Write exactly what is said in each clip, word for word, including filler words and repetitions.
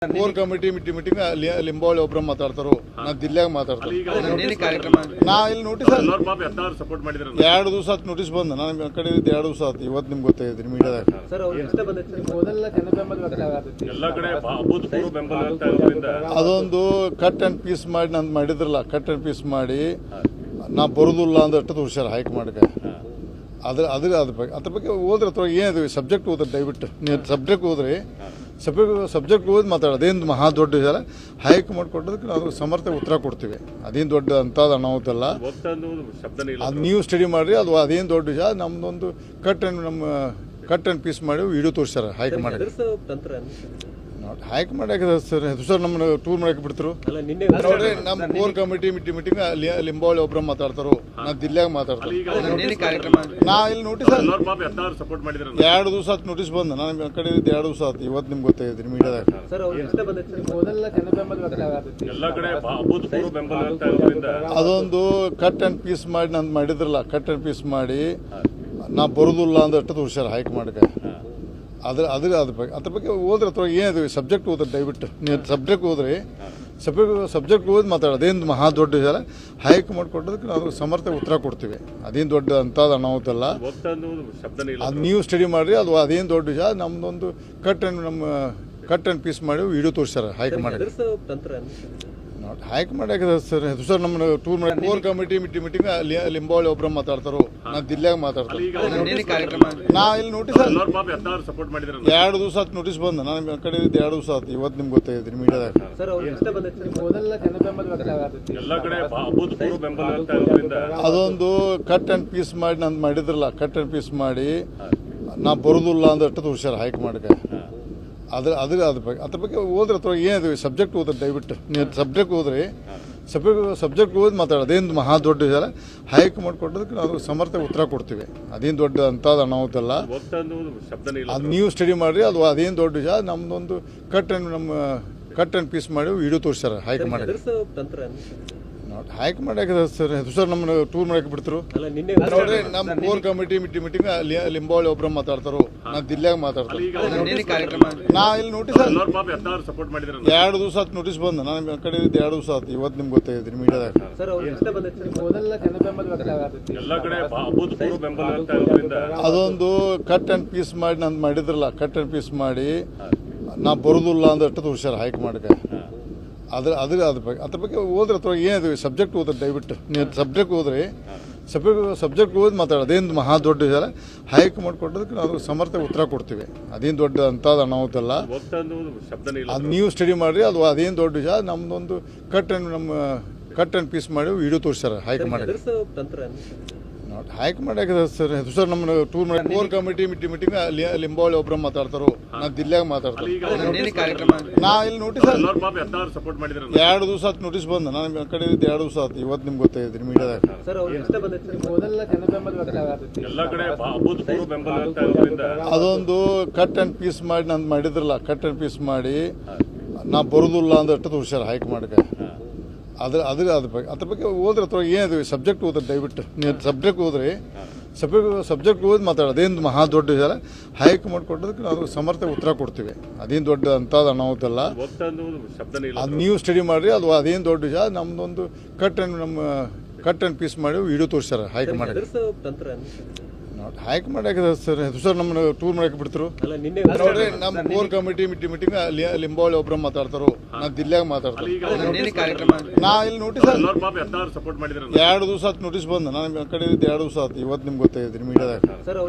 Core committee meeting meeting Limbavali ಒಬ್ರು ಮಾತಾಡ್ತಾರೋ ನಾನು ದಿಲ್ಲಾಗ ಮಾತಾಡ್ತಾರೆ ನಾ ಇಲ್ಲಿ ನೋಟಿಸ್ ಎರಡು ದಿವಸ ಆಯ್ತು ನೋಟಿಸ್ ಬಂದ ನಾನು ಕಡೆ ಎರಡು ದಿವಸ ಆಯ್ತು ಇವತ್ತು ನಿಮ್ಗೆ ಗೊತ್ತಾಗಿದ್ರಿ ಮೀಡಿಯಾದಾಗ ಅದೊಂದು ಕಟ್ ಅಂಡ್ ಪೀಸ್ ಮಾಡಿ ನಂದು ಮಾಡಿದ್ರಲ್ಲ ಕಟ್ ಅಂಡ್ ಪೀಸ್ ಮಾಡಿ ನಾ ಬರೋದಿಲ್ಲ ಅಂದಷ್ಟು ತೋರಿಸ್ಯಾರ ಹೈಕಮಾಂಡ್ಗೆ ಅದ್ರ ಅದ್ರ ಅದ್ರ ಬಗ್ಗೆ ಅದ್ರ ಬಗ್ಗೆ ಓದ್ರೆ ಅಥವಾ ಏನಿದೆ ಸಬ್ಜೆಕ್ಟ್ ಓದ್ರಿ ದಯವಿಟ್ಟು ನೀವು ಸಬ್ಜೆಕ್ಟ್ ಓದ್ರಿ ಸಬ್ಜೆಕ್ಟ್ ಸಬ್ಜೆಕ್ಟ್ ಓದಿ ಮಾತಾಡೋದು ಅದೇನು ಮಹಾ ದೊಡ್ಡ ವಿಚಾರ ಹೈಕಮಾಂಡ್ ಕೊಟ್ಟದಕ್ಕೆ ನಾವು ಸಮರ್ಥ ಉತ್ತರ ಕೊಡ್ತೀವಿ ಅದೇನು ದೊಡ್ಡ ಅಂಥದ್ದು ಅನಾಹುತಲ್ಲ ಅದು ನೀವು ಸ್ಟಡಿ ಮಾಡಿರಿ ಅದು ಅದೇನು ದೊಡ್ಡ ವಿಚಾರ ನಮ್ಮದೊಂದು ಕಟ್ ಆ್ಯಂಡ್ ನಮ್ಮ ಕಟ್ ಆ್ಯಂಡ್ ಪೀಸ್ ಮಾಡಿ ವಿಡಿಯೋ ತೋರಿಸ್ಯಾರ ಹೈಕಮಾಂಡ್ ಹೈಕ್ ಮಾಡಕ್ಕೆ ಸರ್ ಸರ್ ನಮ್ಮನ್ನ ಟೂರ್ ಮಾಡಕ್ಕೆ ಬಿಡ್ತರು ನೋಡ್ರಿ ನಮ್ಮ core committee meeting meeting Limbavali ಒಬ್ರು ಮಾತಾಡ್ತಾರೋ ನಾನು ದಿಲ್ಲಾಗ ಮಾತಾಡ್ತಾರೆ ನಾ ಇಲ್ಲಿ ನೋಟಿಸ್ ಎರಡು ದಿವಸ ಆಯ್ತು ನೋಟಿಸ್ ಬಂದ ನಾನು ಕಡೆ ಎರಡು ದಿವಸ ಆಯ್ತು ಇವತ್ತು ನಿಮ್ಗೆ ಗೊತ್ತಾಗಿದ್ರಿ ಮೀಡಿಯಾದಾಗ ಅದೊಂದು ಕಟ್ ಅಂಡ್ ಪೀಸ್ ಮಾಡಿ ನಂದು ಮಾಡಿದ್ರಲ್ಲ ಕಟ್ ಅಂಡ್ ಪೀಸ್ ಮಾಡಿ ನಾ ಬರೋದಿಲ್ಲ ಅಂದಷ್ಟು ತೋರಿಸ್ಯಾರ ಹೈಕಮಾಂಡ್ಗೆ ಅದ್ರ ಅದ್ರ ಅದ್ರ ಬಗ್ಗೆ ಅದ್ರ ಬಗ್ಗೆ ಓದ್ರೆ ಅಥವಾ ಏನಿದೆ ಸಬ್ಜೆಕ್ಟ್ ಓದ್ರಿ ದಯವಿಟ್ಟು ನೀವು ಸಬ್ಜೆಕ್ಟ್ ಓದ್ರಿ ಸಬ್ಜೆಕ್ಟ್ ಸಬ್ಜೆಕ್ಟ್ ಓದಿ ಮಾತಾಡೋದು ಅದೇನು ಮಹಾ ದೊಡ್ಡ ವಿಚಾರ ಹೈಕಮಾಂಡ್ ಕೊಟ್ಟದಕ್ಕೆ ನಾವು ಸಮರ್ಥ ಉತ್ತರ ಕೊಡ್ತೀವಿ ಅದೇನು ದೊಡ್ಡ ಅಂಥದ್ದು ಅನಾಹುತಲ್ಲ ಅದು ನೀವು ಸ್ಟಡಿ ಮಾಡಿರಿ ಅದು ಅದೇನು ದೊಡ್ಡ ವಿಚಾರ ನಮ್ಮದೊಂದು ಕಟ್ ಆ್ಯಂಡ್ ನಮ್ಮ ಕಟ್ ಆ್ಯಂಡ್ ಪೀಸ್ ಮಾಡಿ ವಿಡಿಯೋ ತೋರಿಸ್ಯಾರ ಹೈಕಮಾಂಡ್ ನೋಡಿ ಹೈಕ್ ಮಾಡಕ್ಕೆ ಸರ್ ಸರ್ ನಮ್ಮನ್ನ ಟೂರ್ ಮಾಡಿ core committee meeting meeting Limbavali ಒಬ್ರು ಮಾತಾಡ್ತಾರೋ ನಾನು ದಿಲ್ಲಾಗ ಮಾತಾಡ್ತಾರೆ ನಾ ಇಲ್ಲಿ ನೋಟಿಸ್ ಎರಡು ದಿವಸ ಆಯ್ತು ನೋಟಿಸ್ ಬಂದ ನಾನು ಕಡೆ ಎರಡು ದಿವಸ ಆಯ್ತು ಇವತ್ತು ನಿಮ್ಗೆ ಗೊತ್ತಾಗಿದ್ರಿ ಮೀಡಿಯಾದಾಗ ಅದೊಂದು ಕಟ್ ಆ್ಯಂಡ್ ಪೀಸ್ ಮಾಡಿ ನಂದು ಮಾಡಿದ್ರಲ್ಲ ಕಟ್ ಆ್ಯಂಡ್ ಪೀಸ್ ಮಾಡಿ ನಾ ಬರೋದಿಲ್ಲ ಅಂದಷ್ಟು ತೋರಿಸ್ಯಾರ ಹೈಕಮಾಂಡ್ಗೆ ಅದ್ರ ಅದ್ರ ಅದ್ರ ಬಗ್ಗೆ ಅದ್ರ ಬಗ್ಗೆ ಓದ್ರೆ ಅಥವಾ ಏನಿದೆ ಸಬ್ಜೆಕ್ಟ್ ಓದ್ರಿ ದಯವಿಟ್ಟು ನೀವು ಸಬ್ಜೆಕ್ಟ್ ಓದ್ರಿ ಸಬ್ಜೆಕ್ಟ್ ಸಬ್ಜೆಕ್ಟ್ ಓದಿ ಮಾತಾಡೋದು ಅದೇನು ಮಹಾ ದೊಡ್ಡ ವಿಚಾರ ಹೈಕಮಾಂಡ್ ಕೊಟ್ಟದಕ್ಕೆ ನಾವು ಸಮರ್ಥ ಉತ್ತರ ಕೊಡ್ತೀವಿ ಅದೇನು ದೊಡ್ಡ ಅಂಥದ್ದು ಅನಾಹುತಲ್ಲ ಅದು ನೀವು ಸ್ಟಡಿ ಮಾಡಿರಿ ಅದು ಅದೇನು ದೊಡ್ಡ ವಿಚಾರ ನಮ್ಮದೊಂದು ಕಟ್ ಆ್ಯಂಡ್ ನಮ್ಮ ಕಟ್ ಆ್ಯಂಡ್ ಪೀಸ್ ಮಾಡಿ ವಿಡಿಯೋ ತೋರಿಸ್ಯಾರ ಹೈಕಮಾಂಡ್ ನೋಡಿ ಹೈಕ್ ಮಾಡಕ್ಕೆ ಸರ್ ಸರ್ ನಮ್ಮನ್ನ ಟೂರ್ ಮಾಡಕ್ಕೆ ಬಿಡ್ತರು ನೋಡ್ರಿ ನಮ್ಮ core committee meeting meeting Limbavali ಒಬ್ರು ಮಾತಾಡ್ತಾರೋ ನಾನು ದಿಲ್ಲಾಗ ಮಾತಾಡ್ತಾರೆ ನಾ ಇಲ್ಲಿ ನೋಟಿಸ್ ಎರಡು ದಿವಸ ಆಯ್ತು ನೋಟಿಸ್ ಬಂದ ನಾನು ಕಡೆ ಎರಡು ದಿವಸ ಆಯ್ತು ಇವತ್ತು ನಿಮ್ಗೆ ಗೊತ್ತಾಗಿದ್ರಿ ಮೀಡಿಯಾದಾಗ ಅದೊಂದು ಕಟ್ ಆ್ಯಂಡ್ ಪೀಸ್ ಮಾಡಿ ನಂದು ಮಾಡಿದ್ರಲ್ಲ ಕಟ್ ಆ್ಯಂಡ್ ಪೀಸ್ ಮಾಡಿ ನಾ ಬರೋದಿಲ್ಲ ಅಂದಷ್ಟು ತೋರಿಸ್ಯಾರ ಹೈಕಮಾಂಡ್ಗೆ ಅದ್ರ ಅದ್ರ ಅದ್ರ ಬಗ್ಗೆ ಅದ್ರ ಬಗ್ಗೆ ಓದ್ರೆ ಅಥವಾ ಏನಿದೆ ಸಬ್ಜೆಕ್ಟ್ ಓದ್ರಿ ದಯವಿಟ್ಟು ನೀವು ಸಬ್ಜೆಕ್ಟ್ ಓದ್ರಿ ಸಬ್ಜೆಕ್ಟ್ ಸಬ್ಜೆಕ್ಟ್ ಓದಿ ಮಾತಾಡೋದು ಅದೇನು ಮಹಾ ದೊಡ್ಡ ವಿಚಾರ ಹೈಕಮಾಂಡ್ ಕೊಟ್ಟದಕ್ಕೆ ನಾವು ಸಮರ್ಥ ಉತ್ತರ ಕೊಡ್ತೀವಿ ಅದೇನು ದೊಡ್ಡ ಅಂಥದ್ದು ಅನಾಹುತಲ್ಲ ಅದು ನೀವು ಸ್ಟಡಿ ಮಾಡಿರಿ ಅದು ಅದೇನು ದೊಡ್ಡ ವಿಚಾರ ನಮ್ಮದೊಂದು ಕಟ್ ಆ್ಯಂಡ್ ನಮ್ಮ ಕಟ್ ಆ್ಯಂಡ್ ಪೀಸ್ ಮಾಡಿ ವಿಡಿಯೋ ತೋರಿಸ್ಯಾರ ಹೈಕಮಾಂಡ್ ನೋಡಿ ಹೈಕ್ ಮಾಡಕ್ಕೆ ಸರ್ ಸರ್ ನಮ್ಮನ್ನ ಟೂರ್ ಮಾಡಿ core committee meeting meeting Limbavali ಒಬ್ರು ಮಾತಾಡ್ತಾರೋ ನಾನು ದಿಲ್ಲಾಗ ಮಾತಾಡ್ತಾರೆ ನಾ ಇಲ್ಲಿ ನೋಟಿಸ್ ಎರಡು ದಿವಸ ಆಯ್ತು ನೋಟಿಸ್ ಬಂದ ನಾನು ಕಡೆ ಎರಡು ದಿವಸ ಆಯ್ತು ಇವತ್ತು ನಿಮ್ಗೆ ಗೊತ್ತಾಗಿದ್ರಿ ಮೀಡಿಯಾದಾಗ ಅದೊಂದು ಕಟ್ ಆ್ಯಂಡ್ ಪೀಸ್ ಮಾಡಿ ನಂದು ಮಾಡಿದ್ರಲ್ಲ ಕಟ್ ಆ್ಯಂಡ್ ಪೀಸ್ ಮಾಡಿ ನಾ ಬರೋದಿಲ್ಲ ಅಂದಷ್ಟು ತೋರಿಸ್ಯಾರ ಹೈಕಮಾಂಡ್ಗೆ ಅದ್ರ ಅದ್ರ ಅದ್ರ ಬಗ್ಗೆ ಅದ್ರ ಬಗ್ಗೆ ಓದ್ರೆ ಅಥವಾ ಏನಿದೆ ಸಬ್ಜೆಕ್ಟ್ ಓದ್ರಿ ದಯವಿಟ್ಟು ನೀವು ಸಬ್ಜೆಕ್ಟ್ ಓದ್ರಿ ಸಬ್ಜೆಕ್ಟ್ ಸಬ್ಜೆಕ್ಟ್ ಓದಿ ಮಾತಾಡೋದು ಅದೇನು ಮಹಾ ದೊಡ್ಡ ವಿಚಾರ ಹೈಕಮಾಂಡ್ ಕೊಟ್ಟದಕ್ಕೆ ನಾವು ಸಮರ್ಥ ಉತ್ತರ ಕೊಡ್ತೀವಿ ಅದೇನು ದೊಡ್ಡ ಅಂಥದ್ದು ಅನಾಹುತಲ್ಲ ಅದು ನೀವು ಸ್ಟಡಿ ಮಾಡಿರಿ ಅದು ಅದೇನು ದೊಡ್ಡ ವಿಚಾರ ನಮ್ಮದೊಂದು ಕಟ್ ಆ್ಯಂಡ್ ನಮ್ಮ ಕಟ್ ಆ್ಯಂಡ್ ಪೀಸ್ ಮಾಡಿ ವಿಡಿಯೋ ತೋರಿಸ್ಯಾರ ಹೈಕಮಾಂಡ್ ನೋಡಿ ಹೈಕ್ ಮಾಡಕ್ಕೆ ಸರ್ ಸರ್ ನಮ್ಮನ್ನ ಟೂರ್ ಮಾಡಕ್ಕೆ ಬಿಡ್ತರು ನೋಡ್ರಿ ನಮ್ಮ core committee meeting meeting Limbavali ಒಬ್ರು ಮಾತಾಡ್ತಾರೋ ನಾನು ದಿಲ್ಲಾಗ ಮಾತಾಡ್ತಾರೆ ನಾ ಇಲ್ಲಿ ನೋಟಿಸ್ ಎರಡು ದಿವಸ ಆಯ್ತು ನೋಟಿಸ್ ಬಂದ ನಾನು ಕಡೆ ಎರಡು ದಿವಸ ಆಯ್ತು ಇವತ್ತು ನಿಮ್ಗೆ ಗೊತ್ತಾಗಿದ್ರಿ ಮೀಡಿಯಾದಾಗ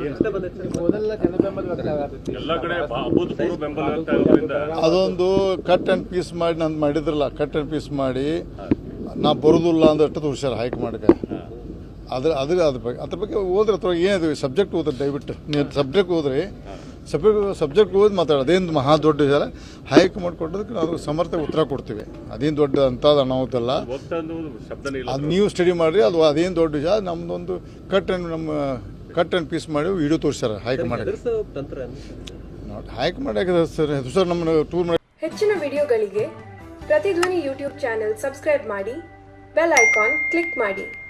ಅದೊಂದು ಕಟ್ ಆ್ಯಂಡ್ ಪೀಸ್ ಮಾಡಿ ನಂದು ಮಾಡಿದ್ರಲ್ಲ ಕಟ್ ಆ್ಯಂಡ್ ಪೀಸ್ ಮಾಡಿ ನಾ ಬರೋದಿಲ್ಲ ಅಂದಷ್ಟು ತೋರಿಸ್ಯಾರ ಹೈಕಮಾಂಡ್ಗೆ ಅದ್ರ ಅದ್ರ ಅದ್ರ ಬಗ್ಗೆ ಅದ್ರ ಬಗ್ಗೆ ಓದ್ರೆ ಅಥವಾ ಏನಿದೆ ಸಬ್ಜೆಕ್ಟ್ ಓದ್ರಿ ದಯವಿಟ್ಟು ನೀವು ಸಬ್ಜೆಕ್ಟ್ ಓದ್ರಿ ಸಬ್ಜೆಕ್ಟ್ ಸಬ್ಜೆಕ್ಟ್ ಓದಿ ಮಾತಾಡೋದು ಅದೇನು ಮಹಾ ದೊಡ್ಡ ವಿಚಾರ ಹೈಕಮಾಂಡ್ ಕೊಟ್ಟದಕ್ಕೆ ನಾವು ಸಮರ್ಥ ಉತ್ತರ ಕೊಡ್ತೀವಿ ಅದೇನು ದೊಡ್ಡ ಅಂಥದ್ದು ಅನಾಹುತಲ್ಲ ಅದು ನೀವು ಸ್ಟಡಿ ಮಾಡಿರಿ ಅದು ಅದೇನು ದೊಡ್ಡ ವಿಚಾರ ನಮ್ಮದೊಂದು ಕಟ್ ಆ್ಯಂಡ್ ನಮ್ಮ ಕಟ್ ಆ್ಯಂಡ್ ಪೀಸ್ ಮಾಡಿ ವಿಡಿಯೋ ತೋರಿಸ್ಯಾರ ಹೈಕಮಾಂಡ್ ನೋಡಿ ಹೈಕ್ ಮಾಡಕ್ಕೆ ಸರ್ ಸರ್ ನಮ್ಮನ್ನ ಟೂರ್ ಮಾಡಿ ಹೆಚ್ಚಿನ ವಿಡಿಯೋಗಳಿಗೆ ಪ್ರತಿಧ್ವನಿ ಯೂಟ್ಯೂಬ್ ಚಾನೆಲ್ ಸಬ್ಸ್ಕ್ರೈಬ್ ಮಾಡಿ ಬೆಲ್ ಐಕಾನ್ ಕ್ಲಿಕ್ ಮಾಡಿ.